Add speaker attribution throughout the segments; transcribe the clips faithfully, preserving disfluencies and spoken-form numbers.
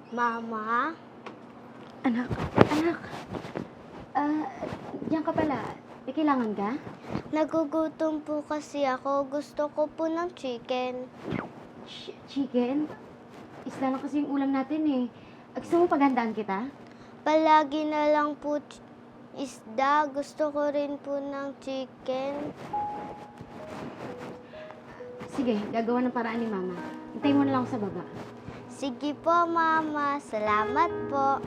Speaker 1: Mama?
Speaker 2: Anak, anak. Ah, diyan ka pala. May kailangan ka?
Speaker 1: Nagugutom po kasi ako. Gusto ko po ng chicken.
Speaker 2: Ch- chicken? Isla lang kasi yung ulam natin eh. Ah, Gusto mo paghandaan kita?
Speaker 1: Palagi na lang po ch- isda. Gusto ko rin po ng chicken.
Speaker 2: Sige, gagawa ng paraan ni Mama. Hintayin mo na lang ako sa baba.
Speaker 1: Sige po, Mama. Salamat po.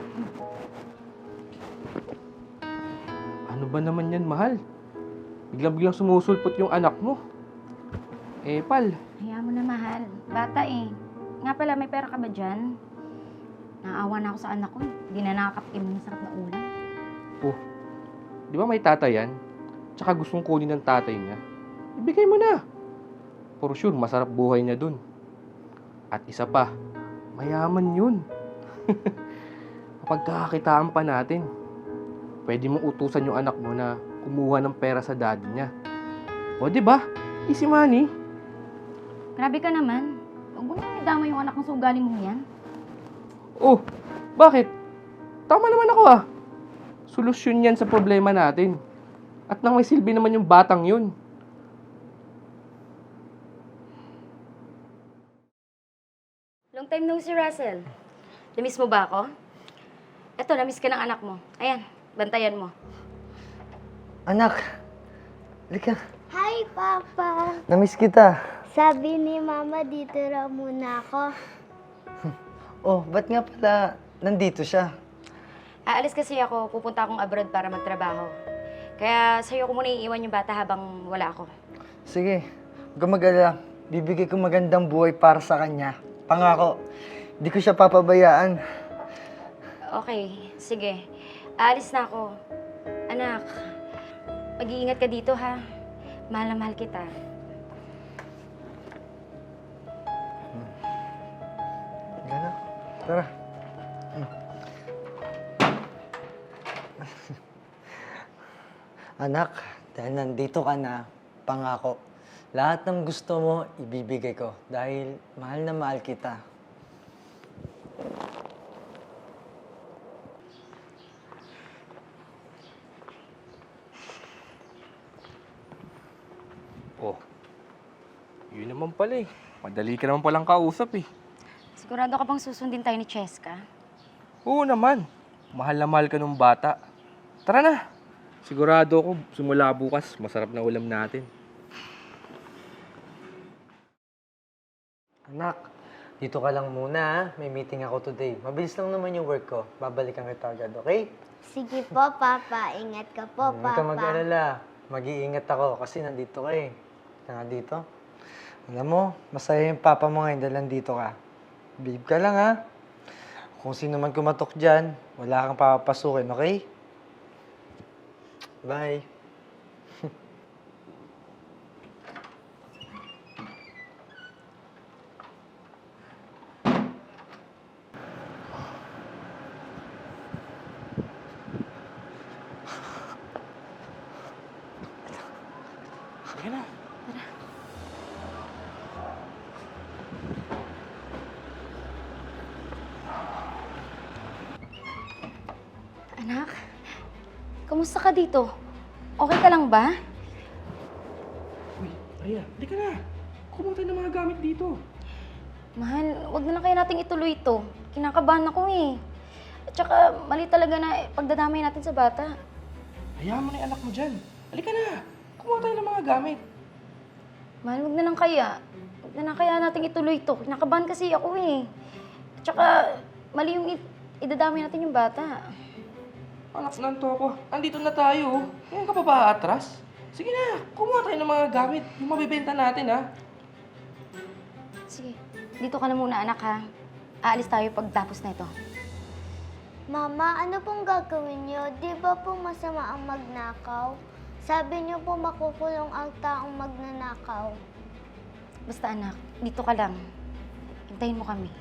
Speaker 3: Ano ba naman yan, mahal? Biglang-biglang sumusulpot yung anak mo. Eh, pal,
Speaker 2: Hayaan mo na, mahal. Bata eh. Nga pala, may pera ka ba dyan? Naawa na ako sa anak ko. Hindi na nakakatikim ng masarap na ulam.
Speaker 3: oh, di ba may tatay yan? Tsaka gustong kunin ng tatay niya. Ibigay mo na. For sure, masarap buhay niya dun. At isa pa, mayaman yun. Kapag kakakitaan pa natin, pwede mong utusan yung anak mo na kumuha ng pera sa daddy niya. O, di ba? Easy money.
Speaker 2: Grabe ka naman. Huwag mo naman idama yung anak ng sa ugali mong yan.
Speaker 3: Oh, bakit? Tama naman ako ah. Solusyon yan sa problema natin. At nang may silbi naman yung batang yun.
Speaker 2: Long time no see, Russell. Namiss mo ba ako? Eto, namiss ka ng anak mo. Ayan, bantayan mo.
Speaker 4: Anak, halika.
Speaker 1: Hi, Papa.
Speaker 4: Namiss kita.
Speaker 1: Sabi ni Mama, dito raw muna ako.
Speaker 4: Oh, ba't nga pala nandito siya?
Speaker 2: Aalis kasi ako, pupunta akong abroad para magtrabaho. Kaya sa'yo ko muna iiwan yung bata habang wala ako.
Speaker 4: Sige, huwag kang mag-alala. Bibigay ko magandang buhay para sa kanya. Pangako, di ko siya papabayaan.
Speaker 2: Okay, sige. Aalis na ako. Anak, mag-iingat ka dito ha. Mahal na mahal kita.
Speaker 4: Gana, tara. Hmm. Anak, dahil nandito ka na, pangako, lahat ng gusto mo, ibibigay ko. Dahil mahal na mahal kita.
Speaker 3: Oh, yun naman pala eh. Madali ka naman palang kausap eh.
Speaker 2: Sigurado ka bang susundin tayo ni Cheska?
Speaker 3: Oo naman. Mahal na mahal ka nung bata. Tara na. Sigurado ako, simula bukas, masarap na ulam natin.
Speaker 4: Anak, dito ka lang muna ha. May meeting ako today. Mabilis lang naman yung work ko. Babalikan kita agad, okay?
Speaker 1: Sige po, Papa. Ingat ka po,
Speaker 4: Huwag ka
Speaker 1: Papa.
Speaker 4: mag-alala. Mag-iingat ako kasi nandito ka eh. Ka nga dito. Alam mo, masaya yung papa mo ngayon dahil nandito ka. Believe ka lang ha. Kung sino man kumatok dyan, wala kang papapasukin, okay? Bye.
Speaker 3: Sige na.
Speaker 2: Anak, kamusta ka dito? Okay ka lang ba?
Speaker 3: Uy, Maria, hindi ka na. Kumuha tayo ng mga gamit dito.
Speaker 2: Mahal, wag na lang kaya nating ituloy ito. Kinakabahan ako eh. At saka, mali talaga na pagdadamay natin sa bata.
Speaker 3: Hayaan mo na yung anak mo dyan. Halika na. Kumuha tayo ng mga gamit.
Speaker 2: Mahal, wag na lang kaya. Wag na lang kaya nating ituloy ito. Kinakabahan kasi ako eh. At saka, mali yung i- idadamay natin yung bata.
Speaker 3: Anak, nanto ako. Andito na tayo. Ngayon ka pa ba atras? Sige na, kumuha tayo ng mga gamit. Yung mabibenta natin, ha?
Speaker 2: Sige, dito ka na muna anak ha. Aalis tayo pagtapos na ito.
Speaker 1: Mama, ano pong gagawin niyo? Di ba po masama ang magnakaw? Sabi niyo po makukulong ang taong magnanakaw.
Speaker 2: Basta anak, dito ka lang. Hintayin mo kami.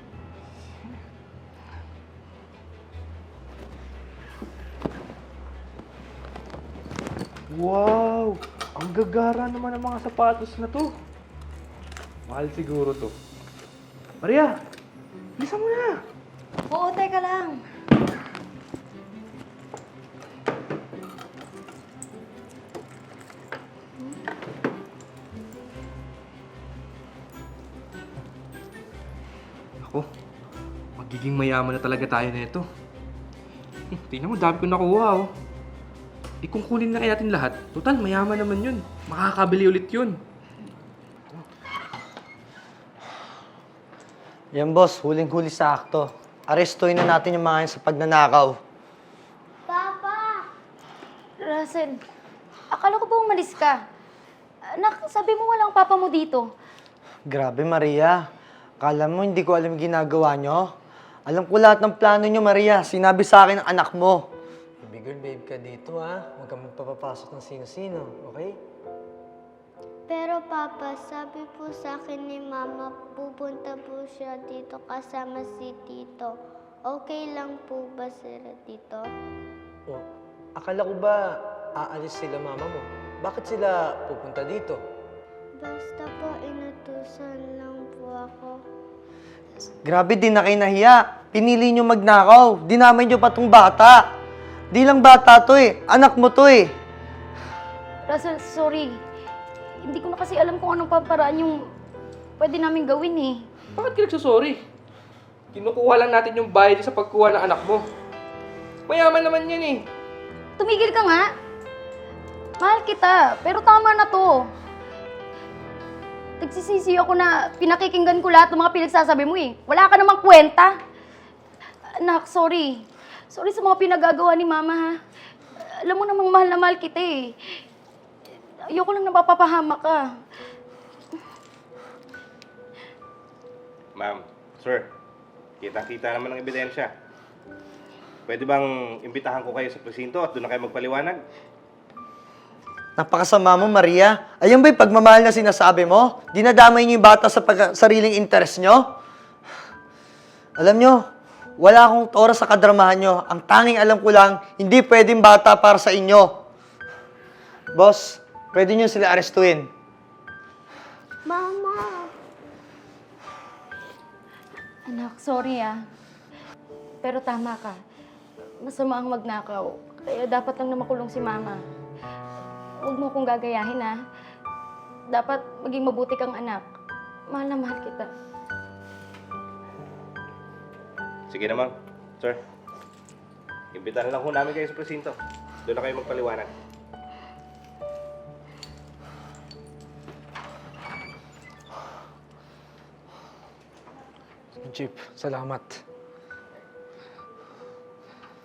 Speaker 3: Wow! Ang gagara naman ng mga sapatos na to. Mahal siguro to. Maria! Bilisan mo na!
Speaker 2: Oo, teka lang.
Speaker 3: Ako, magiging mayaman na talaga tayo na ito. Tingnan mo, dami ko nakuha, oh. Eh kung kunin na kaya natin lahat, total, mayaman naman yun. Makakabili ulit yun.
Speaker 4: Yan boss, huling-huli sa akto. Arestuhin na natin yung mga yun sa pagnanakaw.
Speaker 1: Papa!
Speaker 2: Russell, akala ko ba umalis ka? Anak, sabi mo walang papa mo dito.
Speaker 4: Grabe, Maria. Akala mo hindi ko alam yung ginagawa nyo? Alam ko lahat ng plano nyo, Maria. Sinabi sa akin ng anak mo. Baby girl, babe ka dito, ha? Huwag kang magpapapasok ng sino-sino, okay?
Speaker 1: Pero Papa, sabi po sa akin ni Mama, pupunta po siya dito kasama si Tito. Okay lang po ba sila dito?
Speaker 4: Oh, akala ko ba aalis sila mama mo? Bakit sila pupunta dito?
Speaker 1: Basta po, inutusan lang po ako.
Speaker 4: Grabe, din na kayo nahiya. Pinili nyo magnakaw. Dinamay nyo pa tong bata. Di lang bata to eh. Anak mo to eh.
Speaker 2: Russell, sorry. Hindi ko na kasi alam kung anong paparaan yung pwede namin gawin eh.
Speaker 3: Bakit ka nagsasorry? Kinukuha lang natin yung bayad sa pagkuha ng anak mo. Mayaman naman yan eh.
Speaker 2: Tumigil ka nga. Mahal kita, pero tama na to. Nagsisisi ako na pinakikinggan ko lahat ng mga pinagsasabi mo eh. Wala ka namang kwenta. Anak, sorry. Sorry sa mga pinagagawa ni Mama ha. Alam mo namang mahal na mahal kita eh. Ayoko lang napapahamak ka.
Speaker 5: Ma'am, sir, kita-kita naman ang ebidensya. Pwede bang imbitahan ko kayo sa presinto at doon na kayo magpaliwanag?
Speaker 4: Napakasama mo, Maria. Ayun ba'y pagmamahal na sinasabi mo? Dinadamay niyo yung bata sa pag- sariling interes nyo? Alam nyo, wala akong oras sa kadramahan nyo. Ang tanging alam ko lang, hindi pwedeng bata para sa inyo. Boss, pwede nyo sila arestuin.
Speaker 1: Mama!
Speaker 2: Anak, sorry ah. Pero tama ka. Masama ang magnakaw. Kaya dapat lang na makulong si Mama. Huwag mo akong gagayahin ah. Dapat maging mabuti kang anak. Mahal na mahal kita.
Speaker 5: Sige naman, sir. Imbitahan lang ho namin kayo sa presinto. Doon na kayo magpaliwanag.
Speaker 4: Jeep, salamat.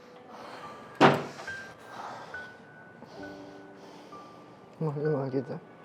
Speaker 4: Mahal na mahal kita.